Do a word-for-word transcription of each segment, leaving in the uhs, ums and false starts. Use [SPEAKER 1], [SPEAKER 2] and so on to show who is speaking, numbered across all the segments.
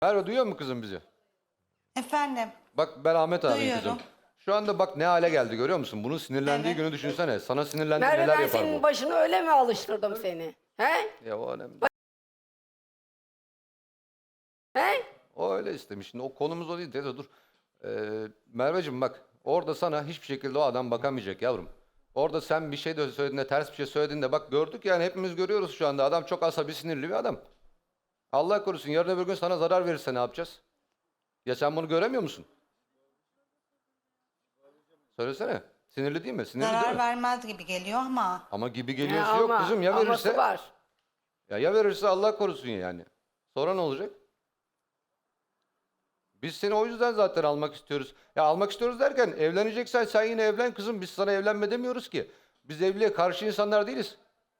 [SPEAKER 1] Merve duyuyor mu kızım bizi?
[SPEAKER 2] Efendim.
[SPEAKER 1] Bak ben Ahmet abiyim
[SPEAKER 2] Duyuyorum.
[SPEAKER 1] kızım. Şu anda bak ne hale geldi görüyor musun? Bunun sinirlendiği
[SPEAKER 2] Evet.
[SPEAKER 1] günü düşünsene. Sana sinirlendi
[SPEAKER 3] Merve
[SPEAKER 1] neler
[SPEAKER 3] ben
[SPEAKER 1] yapar
[SPEAKER 3] senin
[SPEAKER 1] bu?
[SPEAKER 3] başını öyle mi alıştırdım seni? He?
[SPEAKER 1] Ya o önemli.
[SPEAKER 3] He?
[SPEAKER 1] O öyle istemiş. Şimdi o konumuz o değil. Teyze dur. Ee, Merveciğim bak orada sana hiçbir şekilde o adam bakamayacak yavrum. Orada sen bir şey de söylediğinde ters bir şey söylediğinde bak gördük yani hepimiz görüyoruz şu anda. Adam çok asabi sinirli bir adam. Allah korusun yarın öbür gün sana zarar verirse ne yapacağız? Ya sen bunu göremiyor musun? Söylesene. Sinirli değil mi? Sinirli değil
[SPEAKER 2] Zarar
[SPEAKER 1] mi?
[SPEAKER 2] vermez gibi geliyor ama.
[SPEAKER 1] Ama gibi
[SPEAKER 3] Ya
[SPEAKER 1] geliyorsa yok
[SPEAKER 3] ama-
[SPEAKER 1] kızım ya
[SPEAKER 3] aması
[SPEAKER 1] verirse.
[SPEAKER 3] var.
[SPEAKER 1] Ya ya verirse Allah korusun yani. Sonra ne olacak? Biz seni o yüzden zaten almak istiyoruz. Ya almak istiyoruz derken evleneceksen sen yine evlen kızım. Biz sana evlenme demiyoruz ki. Biz evliliğe karşı insanlar değiliz.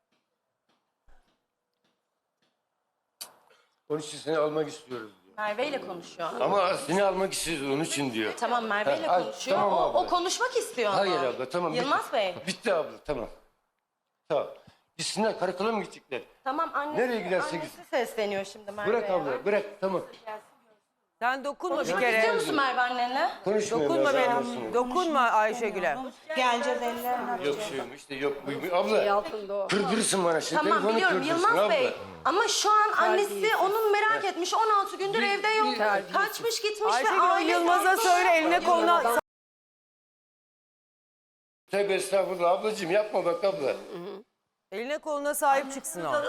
[SPEAKER 4] Onun için seni almak istiyoruz diyor.
[SPEAKER 5] Merve ile konuşuyor.
[SPEAKER 4] Ama seni almak istiyoruz onun için diyor.
[SPEAKER 5] Tamam Merve ile
[SPEAKER 4] Ha, al,
[SPEAKER 5] konuşuyor.
[SPEAKER 4] tamam
[SPEAKER 5] o,
[SPEAKER 4] abla.
[SPEAKER 5] o konuşmak istiyor ama.
[SPEAKER 4] Hayır abla tamam.
[SPEAKER 5] Yılmaz
[SPEAKER 4] bitti.
[SPEAKER 5] Bey.
[SPEAKER 4] Bitti abla tamam. Tamam. Gitsinler karakola mı gidecekler?
[SPEAKER 5] Tamam annesi,
[SPEAKER 4] Nereye giderse
[SPEAKER 5] annesi sesleniyor şimdi Merve'ye.
[SPEAKER 4] Bırak abla bırak tamam.
[SPEAKER 6] Sen dokunma bir
[SPEAKER 5] Konuşmak
[SPEAKER 6] kere.
[SPEAKER 5] istiyor musun Merve annenle?
[SPEAKER 4] Konuşmuyor.
[SPEAKER 6] Dokunma
[SPEAKER 4] Merve
[SPEAKER 6] benim.
[SPEAKER 4] anasını.
[SPEAKER 6] Dokunma Ayşegül'e.
[SPEAKER 2] Geleceğiz ellerine.
[SPEAKER 4] Yok şeyim işte yok. buymuş.
[SPEAKER 3] Şey
[SPEAKER 4] Abla
[SPEAKER 3] altında o.
[SPEAKER 4] kırdırırsın bana şimdi.
[SPEAKER 5] Tamam
[SPEAKER 4] telefonu
[SPEAKER 5] biliyorum
[SPEAKER 4] kırdırırsın
[SPEAKER 5] Yılmaz
[SPEAKER 4] abla.
[SPEAKER 5] Bey. Ama şu an annesi
[SPEAKER 3] Terbiyesiz.
[SPEAKER 5] onun merak etmiş. on altı gündür evde yok.
[SPEAKER 3] Terbiyesiz.
[SPEAKER 5] Kaçmış gitmiş ve
[SPEAKER 6] Ayşegül o
[SPEAKER 5] aile...
[SPEAKER 6] Yılmaz'a söyle eline koluna.
[SPEAKER 4] Tövbe estağfurullah ablacığım yapma bak abla.
[SPEAKER 6] Eline koluna sahip çıksın o.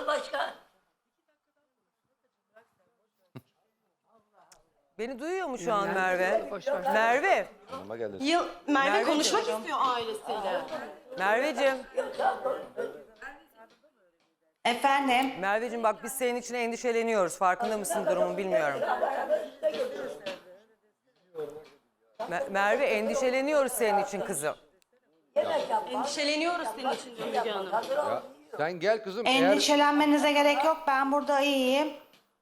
[SPEAKER 6] Beni duyuyor mu şu an Merve? Merve.
[SPEAKER 1] Yanıma geldi.
[SPEAKER 5] Yıl, Merve
[SPEAKER 6] Merveciğim.
[SPEAKER 5] konuşmak istiyor ailesiyle.
[SPEAKER 6] Merveciğim.
[SPEAKER 2] Efendim.
[SPEAKER 6] Merveciğim bak biz senin için endişeleniyoruz. Farkında mısın durumun bilmiyorum. Mer- Merve endişeleniyoruz senin için kızım.
[SPEAKER 5] Endişeleniyoruz senin için diyor Müge Hanım.
[SPEAKER 1] Ya, sen gel kızım. Eğer
[SPEAKER 2] Endişelenmenize gerek yok. Ben burada iyiyim.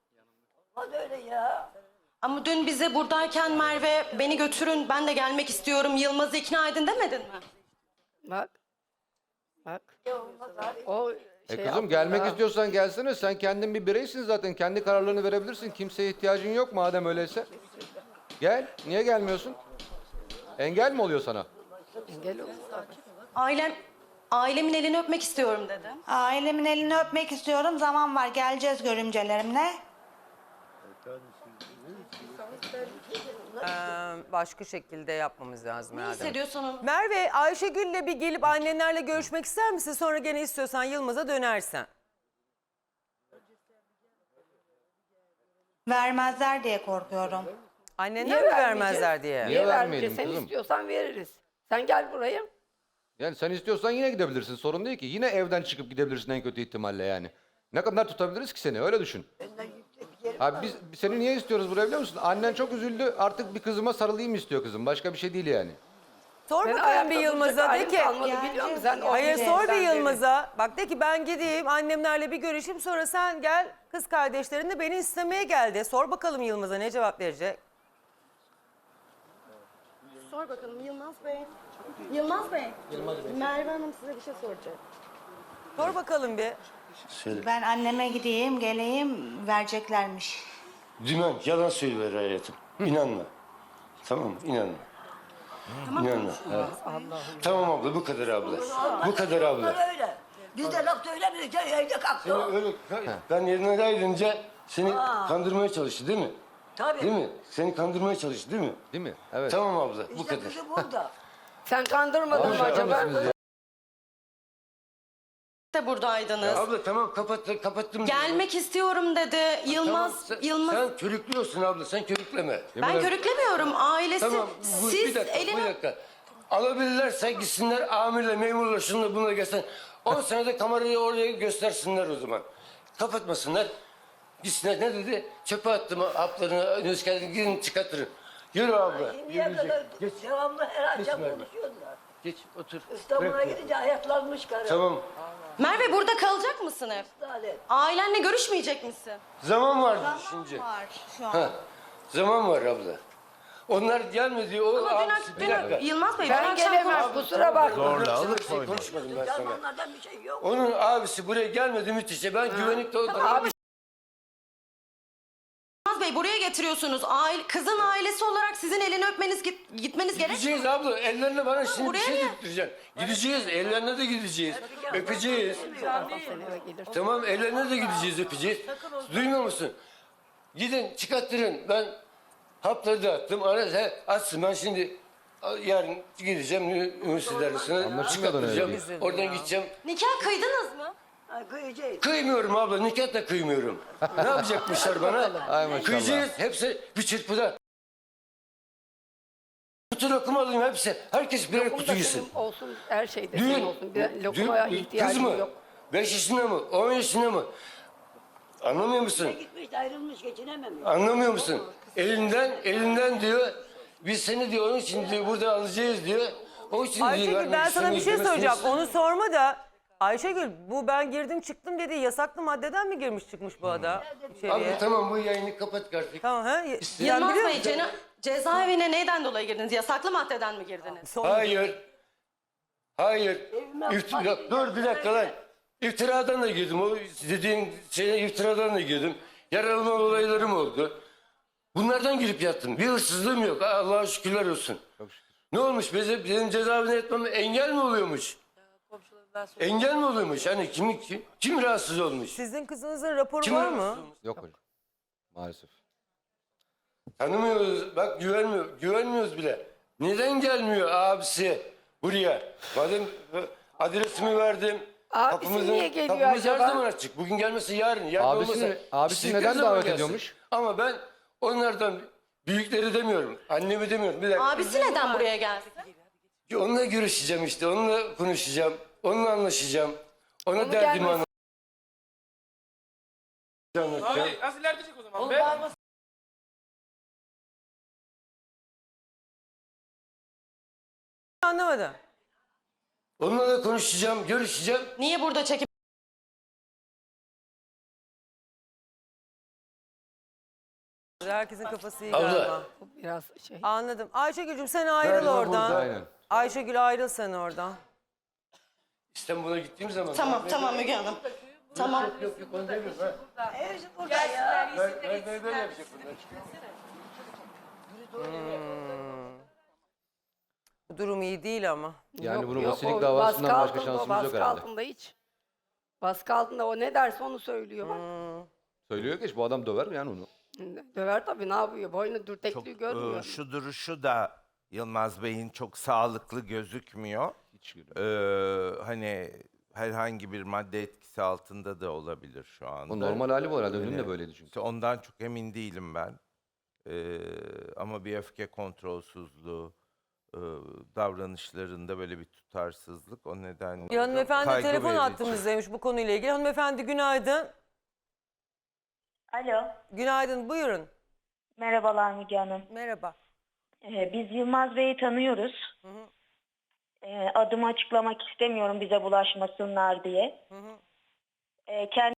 [SPEAKER 5] Ama dün bize buradayken Merve beni götürün ben de gelmek istiyorum Yılmaz'ı ikna edin demedin mi?
[SPEAKER 3] Bak. Bak. O
[SPEAKER 1] E
[SPEAKER 3] şey
[SPEAKER 1] kızım
[SPEAKER 3] yaptı
[SPEAKER 1] gelmek
[SPEAKER 3] da.
[SPEAKER 1] istiyorsan gelsene. Sen kendin bir bireysin zaten. Kendi kararlarını verebilirsin. Kimseye ihtiyacın yok madem öyleyse. Gel. Niye gelmiyorsun? Engel mi oluyor sana?
[SPEAKER 3] Engel oldu.
[SPEAKER 5] Ailem, ailemin elini öpmek istiyorum dedi.
[SPEAKER 2] Ailemin elini öpmek istiyorum. Zaman var. Geleceğiz görümcelerimle.
[SPEAKER 6] Ee, başka şekilde yapmamız lazım
[SPEAKER 5] Ne
[SPEAKER 6] herhalde.
[SPEAKER 5] hissediyorsun onu?
[SPEAKER 6] Merve, Ayşegül'le bir gelip annenlerle görüşmek ister misin? Sonra gene istiyorsan Yılmaz'a dönersen.
[SPEAKER 2] Vermezler diye korkuyorum.
[SPEAKER 6] Annenler
[SPEAKER 3] Niye
[SPEAKER 6] mi
[SPEAKER 3] vermeyeceğiz?
[SPEAKER 6] vermezler diye?
[SPEAKER 1] Niye
[SPEAKER 3] Niye
[SPEAKER 1] vermeyelim
[SPEAKER 3] vermeyeceğiz? Sen
[SPEAKER 1] kızım?
[SPEAKER 3] istiyorsan veririz. Sen gel buraya.
[SPEAKER 1] Yani sen istiyorsan yine gidebilirsin. Sorun değil ki. Yine evden çıkıp gidebilirsin en kötü ihtimalle yani. Ne kadar tutabiliriz ki seni? Öyle düşün. Abi biz biz seni niye istiyoruz buraya biliyor musun? Annen çok üzüldü. Artık bir kızıma sarılayım istiyor kızım. Başka bir şey değil yani.
[SPEAKER 6] Sor
[SPEAKER 3] Ben
[SPEAKER 6] bakalım
[SPEAKER 3] ayakta
[SPEAKER 6] bir
[SPEAKER 3] duracak
[SPEAKER 6] Yılmaz'a de
[SPEAKER 3] halim
[SPEAKER 6] ki.
[SPEAKER 3] kalmadı, biliyor musun? Sen
[SPEAKER 2] Geleceğiz,
[SPEAKER 6] Hayır
[SPEAKER 2] geleceğiz.
[SPEAKER 6] sor bir
[SPEAKER 3] sen
[SPEAKER 6] Yılmaz'a. Bak de ki ben gideyim annemlerle bir görüşeyim sonra sen gel kız kardeşlerin de beni istemeye geldi. Sor bakalım Yılmaz'a ne cevap verecek?
[SPEAKER 5] Sor bakalım Yılmaz Bey. Yılmaz Bey. Merve Hanım size bir şey soracak.
[SPEAKER 6] Sor bakalım bir.
[SPEAKER 4] Söyle.
[SPEAKER 2] Ben anneme gideyim, geleyim. Vereceklermiş.
[SPEAKER 4] Dümen yalan söylüyor hayatım. İnanma. Tamam mı? İnanma. İnanma. Evet. Tamam abla bu kadar abla. Bu kadar abla.
[SPEAKER 7] Öyle. Biz de laf söylemiyoruz. Evde kalktı.
[SPEAKER 4] Seni öyle, ben yerine ayrılınca seni kandırmaya çalıştı değil mi?
[SPEAKER 7] Tabii.
[SPEAKER 4] Değil mi? Seni kandırmaya çalıştı değil mi?
[SPEAKER 1] Değil mi? Evet.
[SPEAKER 4] Tamam abla bu
[SPEAKER 7] İşte
[SPEAKER 4] kadar.
[SPEAKER 7] kızı burada.
[SPEAKER 3] Sen kandırmadın mı
[SPEAKER 1] Şaka
[SPEAKER 3] acaba?
[SPEAKER 1] mısınız ya?
[SPEAKER 5] De buradaydınız.
[SPEAKER 4] Abla tamam kapattım kapattım.
[SPEAKER 5] Gelmek istiyorum dedi. Yılmaz,
[SPEAKER 4] Tamam, sen,
[SPEAKER 5] Yılmaz.
[SPEAKER 4] Sen körüklüyorsun abla sen körükleme.
[SPEAKER 5] Ben körüklemiyorum. Ailesi.
[SPEAKER 4] Tamam bu,
[SPEAKER 5] Siz
[SPEAKER 4] bir dakika
[SPEAKER 5] elini...
[SPEAKER 4] bir dakika. Alabilirlerse gitsinler amirle memurla şunla bununla gelsin. on senede kamerayı oraya göstersinler o zaman. Kapatmasınlar. Gitsinler ne dedi? Çöpe attım haplarını nüskâdını gidin çıkartırın. Yürü abla.
[SPEAKER 7] Niye
[SPEAKER 4] Yürü,
[SPEAKER 7] kadar
[SPEAKER 4] geç,
[SPEAKER 7] devamlı her
[SPEAKER 4] Geç
[SPEAKER 7] akşam
[SPEAKER 4] Merve.
[SPEAKER 7] konuşuyorlar.
[SPEAKER 4] geç otur.
[SPEAKER 7] İstanbul'a
[SPEAKER 4] Bırak.
[SPEAKER 7] gidince hayatlanmış karı.
[SPEAKER 4] Tamam.
[SPEAKER 5] Merve burada kalacak mısın hep?
[SPEAKER 7] Lanet.
[SPEAKER 5] Ailenle görüşmeyecek misin?
[SPEAKER 4] Zaman var
[SPEAKER 2] Zaman
[SPEAKER 4] şimdi.
[SPEAKER 2] var şu an.
[SPEAKER 4] Ha, zaman var abla. Onlar gelmedi. O
[SPEAKER 5] Ama dün,
[SPEAKER 4] abisi, bir
[SPEAKER 5] dün,
[SPEAKER 4] dakika.
[SPEAKER 5] Yılmaz Bey dün
[SPEAKER 3] Ben
[SPEAKER 5] akşam
[SPEAKER 3] gelemem
[SPEAKER 5] konuştuk.
[SPEAKER 3] kusura bakma.
[SPEAKER 4] Zorla alıp konuşmadım ben sana.
[SPEAKER 7] Zamanlardan bir şey yok.
[SPEAKER 4] Onun abisi buraya gelmedi müthişe. Ben güvenlikte oldum.
[SPEAKER 5] Abi Yılmaz Bey buraya getiriyorsunuz? Aile, kızın ailesi olarak sizin elini öpmeniz git- gitmeniz gerekmiyor.
[SPEAKER 4] Gideceğiz abla. Ellerine bana şimdi bir
[SPEAKER 5] buraya
[SPEAKER 4] şey
[SPEAKER 5] niye?
[SPEAKER 4] tuturacaksın. Gideceğiz. Ellerine de gideceğiz. Öpeceğiz.
[SPEAKER 3] Sen eve gelirsin.
[SPEAKER 4] Tamam ellerine de gideceğiz, öpeceğiz. Duymuyor musun? Gidin çıkarttırın. Ben hapları da attım. Ara, he, açsın. Ben şimdi yarın gideceğim üniversite dersine.
[SPEAKER 1] Anlaşılmadan öyle
[SPEAKER 4] Çıkarttıracağım.
[SPEAKER 1] değil.
[SPEAKER 4] Oradan gideceğim.
[SPEAKER 5] Nikah kıydınız mı?
[SPEAKER 7] Ay, kıyacağız.
[SPEAKER 4] Kıymıyorum abla. Nikah da kıymıyorum. Ne yapacakmışlar bana?
[SPEAKER 1] Ay maşallah.
[SPEAKER 4] Kıyacağız. Hepsi bir çırpıda. Kutu lokum alayım hepsi. Herkes birer
[SPEAKER 3] Lokum
[SPEAKER 4] kutu
[SPEAKER 3] da
[SPEAKER 4] yesin.
[SPEAKER 3] senin olsun, her şeyde
[SPEAKER 4] Düğün,
[SPEAKER 3] senin olsun. Bir
[SPEAKER 4] düğün,
[SPEAKER 3] lokumaya
[SPEAKER 4] kız
[SPEAKER 3] ihtiyacın
[SPEAKER 4] mı?
[SPEAKER 3] yok.
[SPEAKER 4] Beş yaşında mı? On yaşında mı? Anlamıyor musun?
[SPEAKER 7] Gitmiş ayrılmış geçinememiş.
[SPEAKER 4] Anlamıyor musun? Elinden, elinden diyor. Biz seni diyor onun için diyor burada alacağız diyor. O için diyor.
[SPEAKER 6] Ayşegül ben
[SPEAKER 4] vermek
[SPEAKER 6] sana bir şey
[SPEAKER 4] istemiyoruz
[SPEAKER 6] soracağım.
[SPEAKER 4] demesiniz.
[SPEAKER 6] Onu sorma da. Ayşegül bu ben girdim çıktım dedi. Yasaklı maddeden mi girmiş çıkmış bu adam içeriye?
[SPEAKER 4] Abi tamam bu yayını kapat artık.
[SPEAKER 6] Tamam ha? Sen
[SPEAKER 5] Yılmaz
[SPEAKER 6] biliyor
[SPEAKER 5] Bey
[SPEAKER 6] musun?
[SPEAKER 5] cena- cezaevine neyden dolayı girdiniz? Yasaklı maddeden mi girdiniz?
[SPEAKER 6] Son-
[SPEAKER 4] Hayır. Hayır. İftira, dur bir dakika lan. İftiradan da girdim. O dediğin şeye iftiradan da girdim. Yaralama olaylarım oldu. Bunlardan girip yattım. Bir hırsızlığım yok. Allah'a şükürler olsun. Ne olmuş? Benim, benim cezaevine etmem engel mi oluyormuş? Engel mi oluyormuş? Hani kim, kim, kim rahatsız olmuş?
[SPEAKER 6] Sizin kızınızın raporu
[SPEAKER 4] Kim
[SPEAKER 6] var
[SPEAKER 4] rahatsız
[SPEAKER 6] mı?
[SPEAKER 4] olmuş?
[SPEAKER 1] Yok hocam. Maalesef.
[SPEAKER 4] Tanımıyoruz. Bak güvenmiyor. Güvenmiyoruz bile. Neden gelmiyor abisi buraya? Madem e, adresimi verdim.
[SPEAKER 3] Abisi niye geliyor
[SPEAKER 4] kapımız her
[SPEAKER 3] acaba?
[SPEAKER 4] zaman açık. Bugün gelmesi yarın. yarın
[SPEAKER 1] Abisini-
[SPEAKER 4] olmasa
[SPEAKER 1] abisi
[SPEAKER 4] istedikleri
[SPEAKER 1] neden
[SPEAKER 4] zaman
[SPEAKER 1] davet
[SPEAKER 4] gelsin.
[SPEAKER 1] ediyormuş?
[SPEAKER 4] Ama ben onlardan büyükleri demiyorum. Annemi demiyorum. Bir dakika.
[SPEAKER 5] Abisi neden buraya geldi?
[SPEAKER 4] Onunla görüşeceğim işte. Onunla konuşacağım. Onunla anlaşacağım. Ona
[SPEAKER 3] Onu
[SPEAKER 4] derdimi
[SPEAKER 3] gelmez-
[SPEAKER 4] anlatacağım.
[SPEAKER 8] Abi nasıl ilerleyecek o zaman be?
[SPEAKER 6] Anlamadım.
[SPEAKER 4] Onunla da konuşacağım, görüşeceğim.
[SPEAKER 5] Niye burada çekip
[SPEAKER 6] Herkesin kafası iyi
[SPEAKER 4] Abla.
[SPEAKER 6] galiba.
[SPEAKER 3] Bu biraz şey.
[SPEAKER 6] Anladım. Ayşegül'cüm sen ayrıl
[SPEAKER 4] Galiba
[SPEAKER 6] oradan.
[SPEAKER 4] burada.
[SPEAKER 1] Aynen.
[SPEAKER 6] Ayşegül ayrıl sen oradan.
[SPEAKER 4] İstanbul'a gittiğim zaman.
[SPEAKER 5] Tamam tamam Müge Hanım. Tamam.
[SPEAKER 4] Yok yok onu demiyorum. Ha.
[SPEAKER 7] Hepsi burada ya.
[SPEAKER 4] Ben, ben, ben böyle yapacak bunlar.
[SPEAKER 6] Bu durum iyi değil ama.
[SPEAKER 1] Yani bunun
[SPEAKER 3] yok,
[SPEAKER 1] vasilik
[SPEAKER 3] o
[SPEAKER 1] davasından
[SPEAKER 3] baskı
[SPEAKER 1] başka
[SPEAKER 3] altında,
[SPEAKER 1] şansımız yok
[SPEAKER 3] baskı
[SPEAKER 1] herhalde.
[SPEAKER 3] altında hiç. Baskı altında o ne derse onu söylüyor.
[SPEAKER 1] Söylüyor ki bu adam döver yani onu.
[SPEAKER 3] Döver tabii ne yapıyor? Boynu
[SPEAKER 9] Çok
[SPEAKER 3] dürtekliği
[SPEAKER 9] e,
[SPEAKER 3] görmüyor.
[SPEAKER 9] şu duruşu da Yılmaz Bey'in çok sağlıklı gözükmüyor.
[SPEAKER 1] Hiç
[SPEAKER 9] Ee, hani herhangi bir madde etkisi altında da olabilir şu anda.
[SPEAKER 1] O normal hali bu herhalde. Dün de
[SPEAKER 9] Yani
[SPEAKER 1] böyleydi çünkü.
[SPEAKER 9] işte ondan çok emin değilim ben. Ee, ama bir öfke kontrolsüzlüğü, e, davranışlarında böyle bir tutarsızlık o nedenle.
[SPEAKER 6] Bir hanımefendi
[SPEAKER 9] kaygı
[SPEAKER 6] telefon
[SPEAKER 9] verici.
[SPEAKER 6] hattımızdaymış bu konuyla ilgili. Hanımefendi günaydın.
[SPEAKER 10] Alo,
[SPEAKER 6] Günaydın buyurun.
[SPEAKER 10] merhabalar Müge Hanım.
[SPEAKER 6] Merhaba.
[SPEAKER 10] Ee, biz Yılmaz Bey'i tanıyoruz. Ee, adımı açıklamak istemiyorum bize bulaşmasınlar diye. Ee, kendi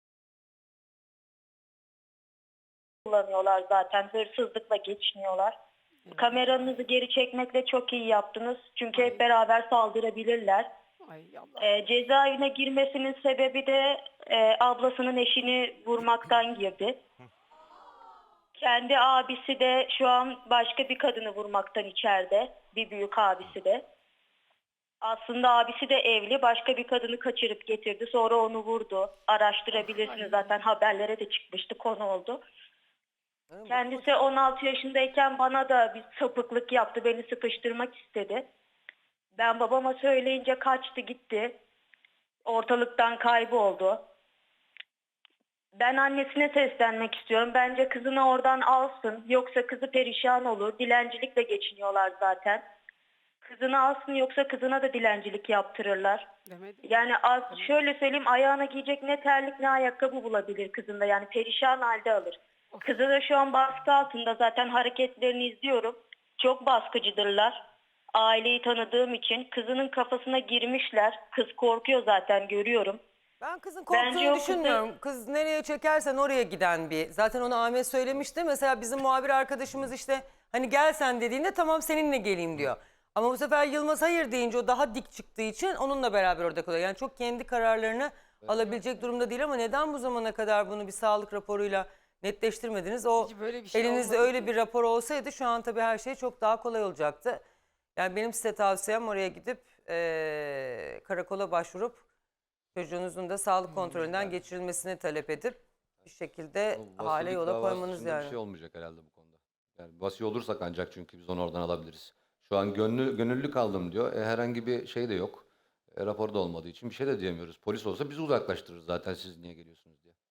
[SPEAKER 10] kullanıyorlar zaten, hırsızlıkla geçiniyorlar. Kameranızı geri çekmekle çok iyi yaptınız. Çünkü hep beraber saldırabilirler.
[SPEAKER 3] Ay Allah.
[SPEAKER 10] Ee, cezaevine girmesinin sebebi de e, ablasının eşini vurmaktan girdi. Kendi abisi de şu an başka bir kadını vurmaktan içeride. Bir büyük abisi de. Aslında abisi de evli. Başka bir kadını kaçırıp getirdi. Sonra onu vurdu. Araştırabilirsiniz zaten, haberlere de çıkmıştı, konu oldu. Kendisi on altı yaşındayken bana da bir sapıklık yaptı. Beni sıkıştırmak istedi. Ben babama söyleyince kaçtı gitti. Ortalıktan kayboldu. Ben annesine seslenmek istiyorum. Bence kızını oradan alsın. Yoksa kızı perişan olur. Dilencilikle geçiniyorlar zaten. Kızını alsın, yoksa kızına da dilencilik yaptırırlar.
[SPEAKER 3] Demedim.
[SPEAKER 10] Yani az, şöyle söyleyeyim, ayağına giyecek ne terlik ne ayakkabı bulabilir kızında. Yani perişan halde alır. Kızı da şu an baskı altında, zaten hareketlerini izliyorum. Çok baskıcıdırlar. Aileyi tanıdığım için kızının kafasına girmişler. Kız korkuyor zaten, görüyorum.
[SPEAKER 6] Ben kızın
[SPEAKER 10] Bence
[SPEAKER 6] korktuğunu
[SPEAKER 10] o kızı-
[SPEAKER 6] düşünmüyorum. Kız nereye çekersen oraya giden bir. Zaten onu Ahmet söylemişti. Mesela bizim muhabir arkadaşımız işte hani gel sen dediğinde tamam seninle geleyim diyor. Ama bu sefer Yılmaz hayır deyince o daha dik çıktığı için onunla beraber orada kalıyor. Yani çok kendi kararlarını alabilecek durumda değil ama neden bu zamana kadar bunu bir sağlık raporuyla netleştirmediniz. O
[SPEAKER 3] Hiç böyle bir şey
[SPEAKER 6] elinizde
[SPEAKER 3] olmadı
[SPEAKER 6] öyle
[SPEAKER 3] ki.
[SPEAKER 6] bir rapor olsaydı şu an tabii her şey çok daha kolay olacaktı. Yani benim size tavsiyem oraya gidip eee, karakola başvurup çocuğunuzun da sağlık kontrolünden geçirilmesini talep edip bir şekilde
[SPEAKER 1] O
[SPEAKER 6] hale
[SPEAKER 1] vasilik
[SPEAKER 6] yola
[SPEAKER 1] davası
[SPEAKER 6] koymanız
[SPEAKER 1] dışında
[SPEAKER 6] yani.
[SPEAKER 1] bir şey olmayacak herhalde bu konuda. Yani vasi olursak ancak çünkü biz onu oradan alabiliriz. Şu an gönlü, gönüllü kaldım diyor. E, herhangi bir şey de yok. E, raporu da olmadığı için bir şey de diyemiyoruz. Polis olsa bizi uzaklaştırır zaten siz niye geliyorsunuz diye.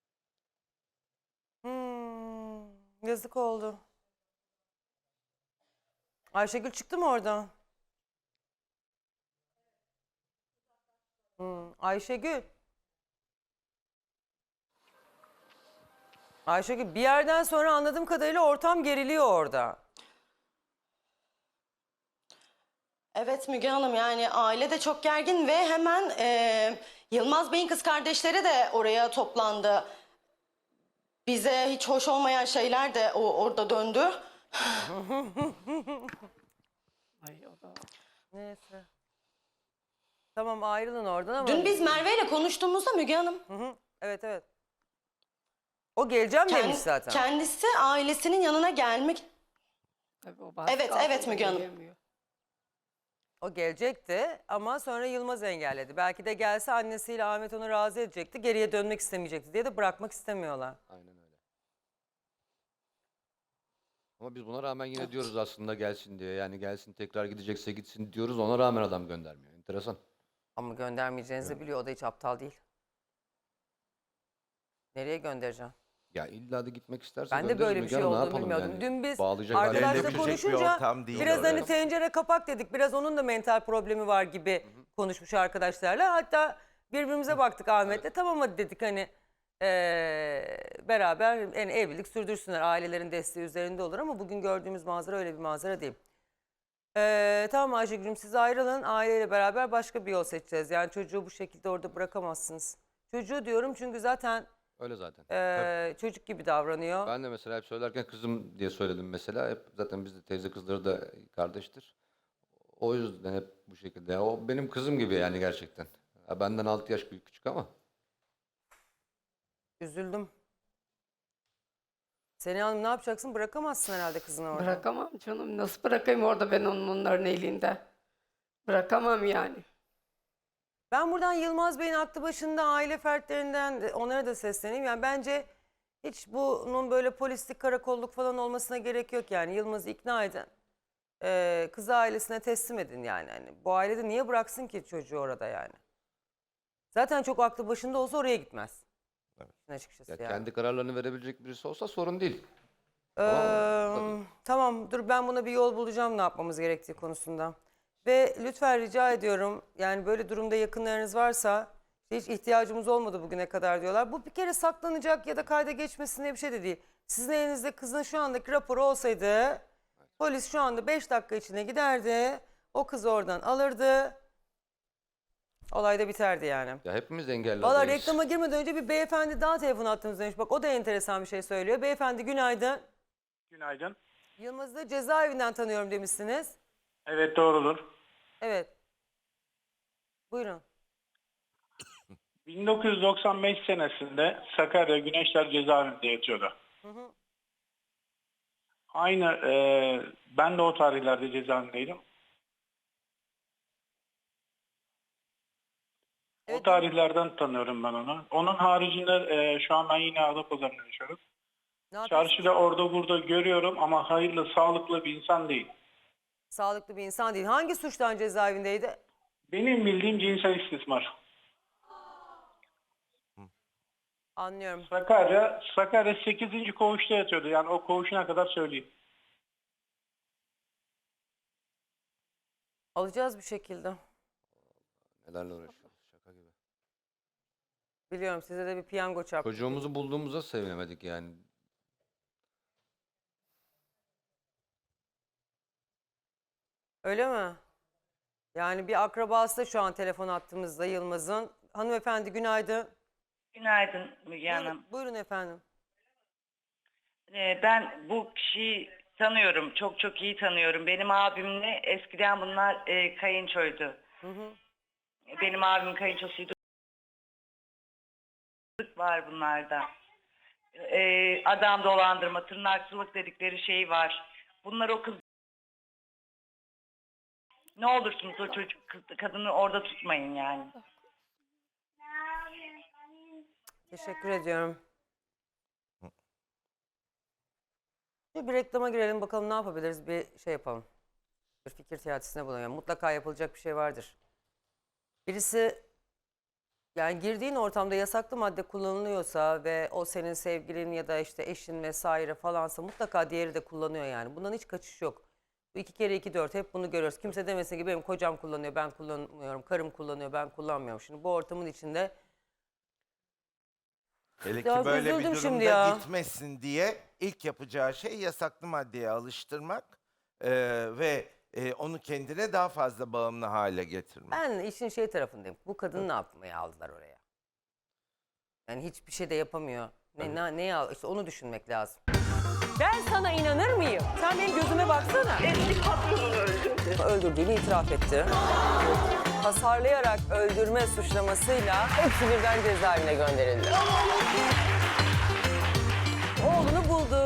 [SPEAKER 6] Hmm, yazık oldu. Ayşegül çıktı mı oradan? Hmm, Ayşegül. Ayşegül bir yerden sonra anladığım kadarıyla ortam geriliyor orada.
[SPEAKER 5] Evet Müge Hanım, yani aile de çok gergin ve hemen e, Yılmaz Bey'in kız kardeşleri de oraya toplandı. Bize hiç hoş olmayan şeyler de o orada döndü.
[SPEAKER 3] Ay, o da...
[SPEAKER 6] Neyse. Tamam ayrılın oradan ama.
[SPEAKER 5] Dün biz Merve ile konuştuğumuzda Müge Hanım
[SPEAKER 6] Hı hı, evet evet. O geleceğim
[SPEAKER 5] kend-
[SPEAKER 6] demiş zaten.
[SPEAKER 5] kendisi ailesinin yanına gelmek.
[SPEAKER 3] Tabii o baskı
[SPEAKER 5] Evet,
[SPEAKER 3] altında
[SPEAKER 5] evet Müge Hanım.
[SPEAKER 3] gelemiyor.
[SPEAKER 6] O gelecekti ama sonra Yılmaz engelledi. Belki de gelse annesiyle Ahmet onu razı edecekti. Geriye dönmek istemeyecekti diye de bırakmak istemiyorlar.
[SPEAKER 1] Aynen öyle. Ama biz buna rağmen yine diyoruz aslında gelsin diye. Yani gelsin tekrar gidecekse gitsin diyoruz. Ona rağmen adam göndermiyor. Enteresan.
[SPEAKER 6] Ama göndermeyeceğinizi biliyor. O da hiç aptal değil. Nereye göndereceğim?
[SPEAKER 1] Ya illa da gitmek isterse
[SPEAKER 6] Ben de
[SPEAKER 1] göndeririz
[SPEAKER 6] böyle bir
[SPEAKER 1] Müge
[SPEAKER 6] şey
[SPEAKER 1] Hanım, ne
[SPEAKER 6] olduğunu
[SPEAKER 1] yapalım
[SPEAKER 6] bilmiyordum.
[SPEAKER 1] yani?
[SPEAKER 6] Dün biz
[SPEAKER 1] Bağlayacak hale
[SPEAKER 6] arkadaşla
[SPEAKER 1] gelecek bir
[SPEAKER 6] konuşunca
[SPEAKER 9] ortam değil
[SPEAKER 6] biraz hani
[SPEAKER 9] orası.
[SPEAKER 6] tencere kapak dedik. Biraz onun da mental problemi var gibi konuşmuş arkadaşlarla. Hatta birbirimize baktık Ahmet'le. Tamam hadi dedik hani eee, beraber yani evlilik sürdürsünler. Ailelerin desteği üzerinde olur ama bugün gördüğümüz manzara öyle bir manzara değil. Eee tamam Ayşegül'üm siz ayrılın. Aileyle beraber başka bir yol seçeceğiz. Yani çocuğu bu şekilde orada bırakamazsınız. Çocuğu diyorum çünkü zaten
[SPEAKER 1] Öyle zaten.
[SPEAKER 6] eee, çocuk gibi davranıyor.
[SPEAKER 1] Ben de mesela hep söylerken kızım diye söyledim mesela. Hep zaten bizde teyze kızları da kardeştir. O yüzden hep bu şekilde. Ya o benim kızım gibi yani gerçekten. Ya benden altı yaş büyük küçük ama.
[SPEAKER 6] Üzüldüm. Seni Hanım ne yapacaksın? Bırakamazsın herhalde kızını orada.
[SPEAKER 3] Bırakamam canım. Nasıl bırakayım orada ben onun onların elinde? Bırakamam yani.
[SPEAKER 6] Ben buradan Yılmaz Bey'in aklı başında aile fertlerinden de onlara da sesleneyim. Yani bence hiç bunun böyle polislik, karakolluk falan olmasına gerek yok yani. Yılmaz'ı ikna edin. Ee, kızı ailesine teslim edin yani. Hani bu ailede niye bıraksın ki çocuğu orada yani? Zaten çok aklı başında olsa oraya gitmez. Açıkçası
[SPEAKER 1] Ya
[SPEAKER 6] yani.
[SPEAKER 1] kendi kararlarını verebilecek birisi olsa sorun değil.
[SPEAKER 6] Ee, tamam dur ben buna bir yol bulacağım ne yapmamız gerektiği konusunda. Ve lütfen rica ediyorum yani böyle durumda yakınlarınız varsa hiç ihtiyacımız olmadı bugüne kadar diyorlar. Bu bir kere saklanacak ya da kayda geçmesin diye bir şey de değil. Sizin elinizde kızın şu andaki raporu olsaydı polis şu anda beş dakika içinde giderdi. O kızı oradan alırdı. Olay da biterdi yani.
[SPEAKER 1] Ya hepimiz engelli
[SPEAKER 6] Valla
[SPEAKER 1] adayız.
[SPEAKER 6] reklama girmeden önce bir beyefendi daha telefon attınız demiş. Bak o da enteresan bir şey söylüyor. Beyefendi günaydın.
[SPEAKER 8] Günaydın.
[SPEAKER 6] Yılmaz'ı da cezaevinden tanıyorum demişsiniz.
[SPEAKER 8] Evet doğrudur.
[SPEAKER 6] Evet. Buyurun.
[SPEAKER 8] bin dokuz yüz doksan beş senesinde Sakarya Güneşler cezaevinde yatıyordu.
[SPEAKER 6] Hı hı.
[SPEAKER 8] Aynı e, ben de o tarihlerde cezaevindeydim.
[SPEAKER 6] Evet.
[SPEAKER 8] O tarihlerden tanıyorum ben onu. Onun haricinde e, şu an ben yine Adapazarı'nda yaşıyorum.
[SPEAKER 6] Ne yapıyorsunuz?
[SPEAKER 8] Çarşıda orada burada görüyorum ama hayırlı, sağlıklı bir insan değil.
[SPEAKER 6] Sağlıklı bir insan değil. Hangi suçtan cezaevindeydi?
[SPEAKER 8] Benim bildiğim cinsel istismar.
[SPEAKER 6] Anlıyorum.
[SPEAKER 8] Sakarya, Sakarya sekizinci koğuşta yatıyordu. Yani o koğuşuna kadar söyleyeyim.
[SPEAKER 6] Alacağız bir şekilde.
[SPEAKER 1] Nelerle uğraşıyoruz şaka gibi.
[SPEAKER 6] Biliyorum size de bir piyango çarptı.
[SPEAKER 1] Çocuğumuzu bulduğumuza sevinemedik yani.
[SPEAKER 6] Öyle mi? Yani bir akrabası da şu an telefon attığımızda Yılmaz'ın. Hanımefendi günaydın.
[SPEAKER 11] Günaydın Müge Hanım.
[SPEAKER 6] Buyurun, buyurun efendim.
[SPEAKER 11] Ee, ben bu kişiyi tanıyorum. Çok çok iyi tanıyorum. Benim abimle eskiden bunlar e, kayınçoydu.
[SPEAKER 6] Hı hı.
[SPEAKER 11] Benim abim kayınçosuydu. Var bunlarda. e, adam dolandırma, tırnakçılık dedikleri şey var. Bunlar o kız. Ne olursunuz o çocuk kız- kadını orada tutmayın yani.
[SPEAKER 6] Teşekkür ediyorum. Bir, bir reklama girelim bakalım ne yapabiliriz, bir şey yapalım. Bir fikir teatisine bulunalım. Mutlaka yapılacak bir şey vardır. Birisi, yani girdiğin ortamda yasaklı madde kullanılıyorsa ve o senin sevgilin ya da işte eşin vesaire falansa mutlaka diğeri de kullanıyor yani. Bundan hiç kaçış yok. Bu iki kere iki dört, hep bunu görüyoruz. Kimse demesin ki benim kocam kullanıyor, ben kullanmıyorum, karım kullanıyor, ben kullanmıyorum. Şimdi bu ortamın içinde
[SPEAKER 9] Hele ki
[SPEAKER 6] Biraz
[SPEAKER 9] böyle bir
[SPEAKER 6] üzüldüm
[SPEAKER 9] durumda
[SPEAKER 6] şimdi ya.
[SPEAKER 9] gitmesin diye ilk yapacağı şey yasaklı maddeye alıştırmak e, ve e, onu kendine daha fazla bağımlı hale getirmek.
[SPEAKER 6] ben işin şey tarafındayım. Bu kadını ne yapmaya aldılar oraya? Yani hiçbir şey de yapamıyor. Ne, ne, neye al- işte onu düşünmek lazım. Ben sana inanır mıyım? Sen benim gözüme baksana.
[SPEAKER 7] Eski patronunu öldürdü.
[SPEAKER 6] Öldürdüğünü itiraf etti. Hasarlayarak öldürme suçlamasıyla hepsi birden cezaevine gönderildi. Oğlunu buldu.